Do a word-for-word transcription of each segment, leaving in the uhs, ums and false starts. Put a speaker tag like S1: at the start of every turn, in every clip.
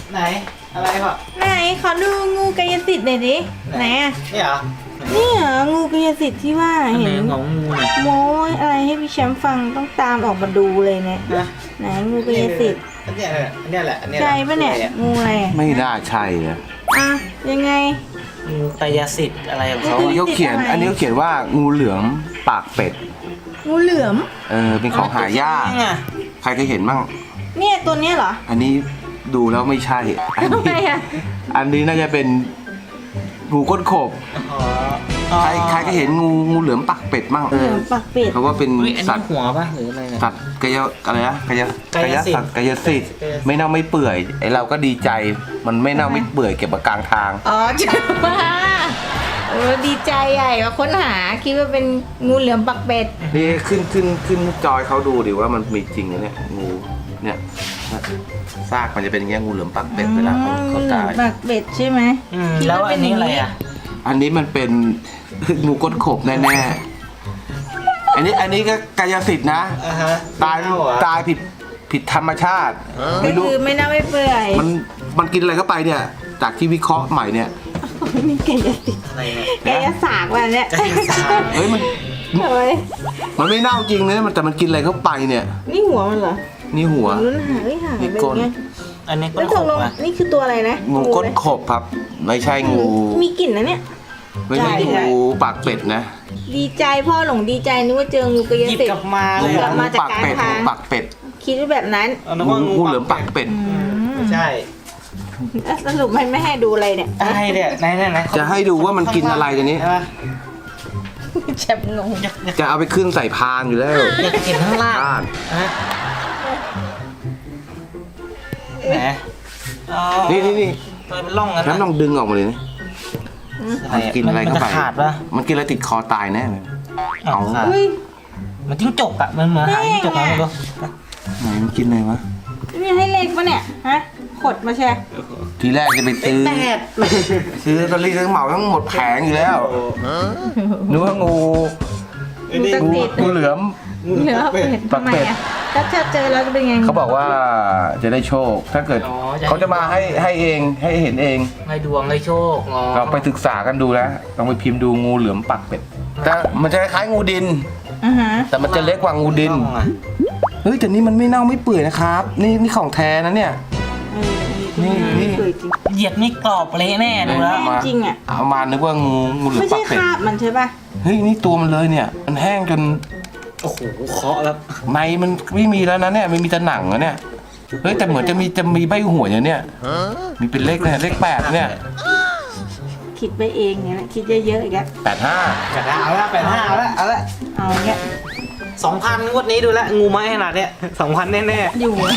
S1: ไหนอะไรพ่อ
S2: ไหนขอดูงูกายสิทธิ์หน่อยดิไหนอ่ะ
S1: นี่เหรอ
S2: นี่เหรองูกายสิทธิ์ที่ว่าเห็น
S1: ของงูเนี่ย
S2: โม้ยอะไรให้พี่แชมป์ฟังต้องตามออกมาดูเลยเนี่ย
S1: นะ
S2: ไหนงูกายสิทธิ์
S1: อันนี้แหละอันนี้แหละอันนี้
S2: ใช่ปะเนี่ยงูอะไรอ่ะ
S3: ไม่น่าใช่นะ
S2: อ่ะยังไง
S1: งูกายสิทธิ์อะไรของเขา
S3: อันนี้เขาเขียน อันนี้เขาเขียนว่างูเหลือมปากเป็ด
S2: งูเหลือม
S3: เออเป็นของหายากใครเคยเห็นบ้าง
S2: เนี่ยตัวเนี้ยเหรอ
S3: อันนี้ดูแล้วไม่ใช่ อัน
S2: ทำไม
S3: นี้
S2: อ่ะ
S3: อันนี้น่าจะเป็นงูก้นขบ
S1: อ๋อ
S3: ใครใครก็เห็นงูงูเหลือมปากเป็ดมั่ง
S2: เหลือมปากเป็ด
S3: เขาว่าเป็น
S1: เฮ้ยอัน
S3: สั
S1: นี้
S3: ตว์
S1: หัวป่ะหรืออะไรเนี่ย
S3: สัตว์กายอะไรนะกาย
S1: กายสิทธิ์
S3: สัตว์กายสิทธิ์ไม่เน่าไม่เปื่อยไอเราก็ดีใจมันไม่เน่าไม่เปื่อยเก็บมากลางทาง
S2: อ๋อจ้าโอ้ดีใจใหญ่ว่าค้นหาคิดว่าเป็นงูเหลือมปากเป็ด
S3: นี่ขึ้นขึ้นขึ้นจอยเขาดูดิว่ามันมีจริงนะเนี่ยงูเนี่ยซากมันจะเป็นอย่างเงี้ยงูเหลือมปากเป็ดเวลาเขาเขาตาย
S2: ปากเป็ดใช่ไหม
S1: อืมแล้วอันนี้อะไรอ่ะ
S3: อันนี้มันเป็น งูก้นขบแน่ๆอันนี้อันนี้ก็กายสิทธิ์นะ
S1: อ่าฮะ
S3: ตายตายผิดผิดธรรมชาติ
S2: ก็
S3: ไม่รู้
S2: คือไม่น่าไม่เปื่อย
S3: มันมันกินอะไรเข้าไปเนี่ย จากที่วิเคราะห์ใหม่เนี่ย
S2: นี่กายสิทธิ์
S1: อะไรเนี่ย
S2: กายศาสตร์ว่ะเนี่ย
S1: กายศาสตร์
S3: เฮ้ยมัน
S2: ทำไม
S3: มันไม่เน่าจริงนะมันแต่มันกินอะไรเข้าไปเนี่ย
S2: นี่หัวมันเหรอ
S3: นี่หัว
S2: รุ่นหาไม่หาย
S3: นี่
S2: ไป
S3: ก้น
S2: เงี้ย
S1: อันนี้ก็
S2: แล้ว
S1: ข
S2: ตก
S1: บ
S2: ลง
S1: อ่ะ
S2: นี่คือตัวอะไรนะ
S3: งูก้นขบครับ ไม่ใช่งู
S2: มีกลิ่นนะเนี่ย
S3: ไม่ใช่
S2: ใช่
S3: งูปากเป็ดนะ
S2: ดีใจพ่อหลงดีใจนึกว่าเจองูกาย
S1: หยิบ
S2: สิท
S1: กลั
S2: ธิ์
S1: บมา
S2: หยิ
S1: เลย
S2: บกลั
S1: อ่ะ
S2: บมา จาก
S3: ปาก
S2: กลาง
S3: เป็ด
S2: ทาง
S3: งูปากเป็ด
S2: คิดว่าแบบนั้น
S1: เอานึก
S3: งู
S1: ว่างู
S3: งูเหลือมปากเป็ด
S1: ไม่ใช่
S2: แล้วสรุปไม่ไม่ให้ดูอะไรเนี่ย
S1: อะไรเนี่ยไหนไหนไหน
S3: จะให้ดูว่ามันกินอะไรกันนี้
S1: ใช่ปะ
S2: แชมป์งง
S1: อยากอยาก
S3: จะเอาไปขึ้นใส่พานอยู่แล้ว
S1: อยากเห็นข้างล่าง
S3: บ้าน
S1: ฮะไหนอ๋อ
S3: นี่นี่นี่
S1: มันเป็นร่องกัน
S3: แล้วลองดึงออกมาเลยนะมันกินอะไรเข้าไป
S1: มันจะขาดปะ
S3: มันกินอะไรติดคอตายแน่เลย เอา
S1: ขาด
S2: เฮ้ย
S1: มันจิ้งจกอะมันเหมือนหางจิ้งจกนะไม่รู้
S3: ไหนมันกินอะไรวะ
S2: นี่ให้เลขปะเนี่ยฮะขดมาแชร์
S3: ทีแรกจะไปซื้อ
S1: แปด
S3: ซื้อลอตเตอรี่ทั้งเหมาทั้งหมดแผงอยู่แล้วนึกว่างู
S2: งู
S3: งู
S2: ตะเกียบ
S3: งูเหลือม
S2: เหลือเป็ดทำไมอ่ะถ้าเจอเจอแล้วจะเป็นไง
S3: เขาบอกว่าจะได้โชค ถ้าเกิด
S1: อ๋อ
S3: เขาจะมาให้ให้เองให้เห็นเอง
S1: ให้ดวงให้โชคอ๋อ
S3: เราไปศึกษากันดูแล้วลองไปพิมพ์ดูงูเหลือมปักเป็ดแต่มันจะคล้ายๆงูดิน
S2: อ่าฮะ
S3: แต่มันจะเล็กกว่างูดิน
S1: ร่องอะ
S3: เฮ้ยแต่นี่มันไม่เน่าไม่เปื่อยนะครับ นี่นี่ของแท้นะเนี่ย
S2: เออ
S3: นี่นี่
S2: เปื่อยจริง
S1: เหยียบนี่กรอบเละแน่ดูแล้ว
S3: มา
S2: จริงอ่ะ
S3: เอามานึกว่างูงูเหลือ
S2: ไม่
S3: มปั
S2: ใช่
S3: กเป็ด
S2: คราบมันใช่ป่ะ
S3: เฮ้ยนี่ตัวมันเลยเนี่ย มันแห้งจน
S1: โอ้โหเคาะแล้ว
S3: ในมันไม่มีแล้วนะเนี่ยไม่มีแต่หนังแล้วเนี่ยเฮ้ยแต่เหมือนจะมีจะมีใบหัวอย่างเนี้ยมีเป็นเลขเนี่ยเลขแปดเนี่ย
S2: คิดไปเองเนี่ยแหละคิดเยอะๆอีกแล้ว
S3: แปดห้า
S1: จัดละเอาละแปดห้าเอาละเอาละ
S2: เอาเงี้ย
S1: สองพันงวดนี้ดูแลวงูไม้ขนาดเนี้ยสองพันแน่
S2: อยู่อะ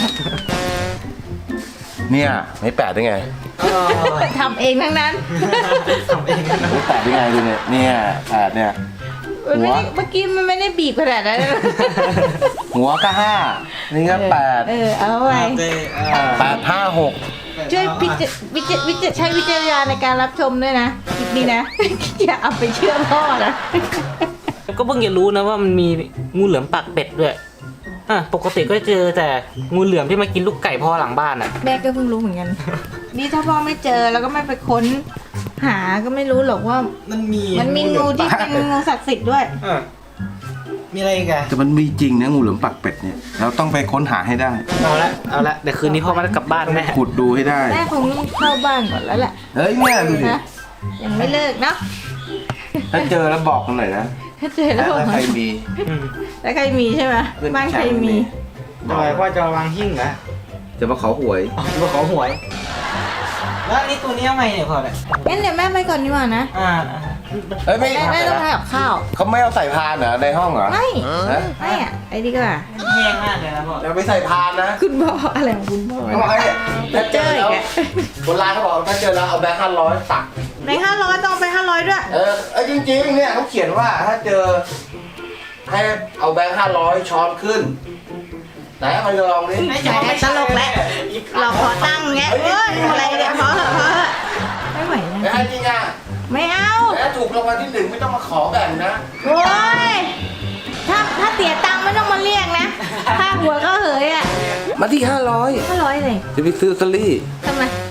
S3: เนี่ยไม่แปดได้ไง
S1: ๆเออ
S2: ทำเองทั้งนั้น
S1: ทำเองนะ
S3: ไม่แปดได้ไงดูเนี่ยเนี่ยแปดเนี่ย
S2: มันไม่ได้
S3: หัว
S2: เมื่อกี้มันไม่ได้บีบขนาดนั้น
S3: หัวก็ห้านี่ก็แปด
S2: เออเอาไว้
S1: โอเคเออ
S3: แปดห้าหก
S2: ช่วยพิจวิจวิจใช้วิจารณญาณในการรับชมด้วยนะคลิปนี้นะ อย่าเอาไปเชื่อพ่อนะ
S1: ก็เพิ่งจะรู้นะว่ามันมีงูเหลือมปากเป็ดด้วยอ่ะปกติก็เจอแต่งูเหลือมที่มากินลูกไก่พ่อหลังบ้านอ่ะ
S2: แม่ก็เพิ่งรู้เหมือนกัน นี่ถ้าพ่อไม่เจอแล้วก็ไม่ไปค้น หาก็ไม่รู้หรอกว่า
S1: มันมี
S2: มันมีงูที่เป็นงูศักดิ์สิทธิ์ด้วย
S1: เออมีอะไรอีกอะ
S3: แต่มันมีจริงนะงูเหลือมปักเป็ดเนี่ยเราต้องไปค้นหาให้ได้
S1: เอาละเอาละเดี๋ยวคืนนี้พ่อมาได้กลับบ้านแน่
S3: ขุดดูให้ได้
S2: แม่คงต้องเข้าบ้านก่อนแล้วแหละ
S3: เฮ้ยเนี่ยดูดิ
S2: นะยังไม่เลิกเนาะ
S3: ถ้าเจอแล้วบอกกันหน่อยนะ
S2: ถ้าเจอแล้วบอก
S3: ถ้าใครมี
S1: อืม
S2: แล้วใครมีใช่ไหม
S3: เพื่อน
S2: บ้านใครมี
S1: ทำไมพ่อจะวางหิ้งเหรอ
S3: จะมาขอหวย
S1: อ๋อมาขอหวย แล้วอันนี้ตัวนี้ยังไงเนี่ยพ่อเนี่ย
S2: งั้นเดี๋ยวแม่ไปก่อนดีกว่านะ
S1: อ่า
S3: เฮ้ยไม่
S2: แม่แม่ต้องทำกับข้าว
S3: เขาไม่เอาใส่พานเหรอในห้องเหรอ
S2: ไม่
S3: ฮะ
S2: ไม่อะไอ้นี่ก็ว่า
S1: แห้งมากเลยนะพ่อ
S3: เราไปใส่พานนะ
S2: คุณพ่ออะไรของคุณพ่อ
S3: เขาบอกให้ถ้าเจอแล้ว
S2: เจออีกอะ
S3: โบราณเขาบอกถ้าเจอแล้วเอาแบงค์ห้าร้อยตัก
S2: ในห้าร้อยต้องไปห้าร้อยด้วย
S3: เออเออจริงๆเนี่ยเขาเขียนว่าถ้าเจอให้เอาแบงค์ห้าร้อยช้อนขึ้นไหนเอามาลองดิ
S1: ไม่ใช่ไม่
S2: ตลกแล้ว เราขอตั้งเงี้ยเอ้ยอะไรเนี่ยพอเหอะพอเหอะไม่ไหว
S3: ไม่
S2: นะ
S3: ให้จริงอ่ะ
S2: ไม่เอา
S3: แต่ถ้าถูกรางวัลที่หนึ่งไม่ต้องมาขอแบ่งนะ
S2: โอ้ยถ้าถ้าเสียตังค์ไม่ต้องมาเรียกนะถ้าหัวก็เหยอ่ะ
S3: มาที่ห้าร้อย
S2: ห้าร้อยเลย
S3: จะไปซื้อลอตเตอรี่
S2: ทำไม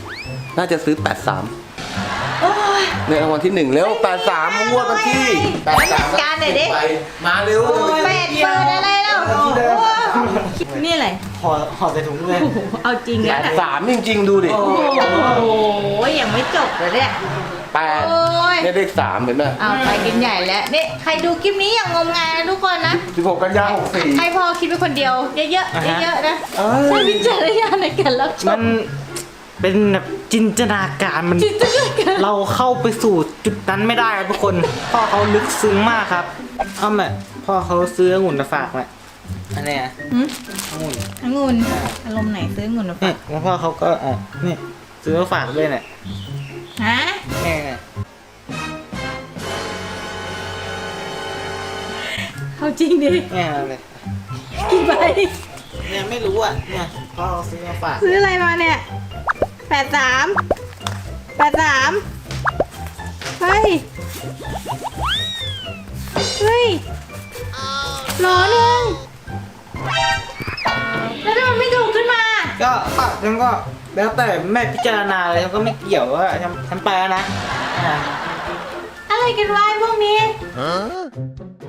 S3: น่าจะซื้อแปดสาม
S2: โอ้ย
S3: ในรางวัลที่หนึ่งเร็วแปดสามงวดวันที่แปดสาม
S2: การหน่อยดิ
S3: มาเร็ว
S2: แปดเปิดอะไรแล้วโอ้โหนี่อะไร
S1: ห่อห่อใส่ถุงเลย
S2: โอ้โหเอาจริง
S3: แป
S2: แล้ว
S3: ด
S2: นะ
S3: สามจริงๆดูดิ
S2: โอ้โหยังไม่จบเลยเนี่ย
S3: แปด
S2: โอ้ย
S3: เนี่ยเลขสามเห็นไหม
S2: เอาไปกันใหญ่แล้วนี่ใครดูคลิปนี้อย่างงมงายนะทุกคนนะ
S3: สิบหกกันยาหกสี่
S2: ให้พ่อคิดเป็นคนเดียวเยอะๆ
S1: อ่าฮะ
S2: เยอะๆนะ
S3: เอ้ย
S2: ใช้วิจารณญาณในการรับช
S1: มั
S2: ม
S1: นเป็นแบบจินตนาการมัน
S2: จิตนาการ
S1: เราเข้าไปสู่จุดนั้นไม่ได้ครับทุกคน พ่อเขาลึกซึ้งมากครับเอาแม่พ่อเขาซื้อองุ่นมาฝากแม่อันเนี้ย
S2: หืม
S1: องุ่น
S2: องุ่นอารมณ์ไหนซื้อองุ่นมาฝา
S1: นี่
S2: ก
S1: แล้วพ่อเขาก็อ่ะนี่ซื้อมาฝากด้วยเนี่ย
S2: ฮะ
S1: นี่
S2: เอาจริงดิ
S1: เนี่ยเลย
S2: กี่ใบ
S1: เนี่ยไม่รู้อ่ะเนี่ยพ่อเขาซื้อมาฝาก
S2: ซื้ออะไรมาเนี่ยแปดสามแปดสามเฮ้ยเฮ้ยหรอหนึ่งแล้วทำไมไม่ถูกขึ้นมา
S1: ก็ก็ฉันก็แล้วแต่แม่พิจารณาเลยฉันก็ไม่เกี่ยวว่าฉันฉันไปแล้วนะอ่า
S2: อะไรกันวะไอ้พวกนี้
S3: ฮะ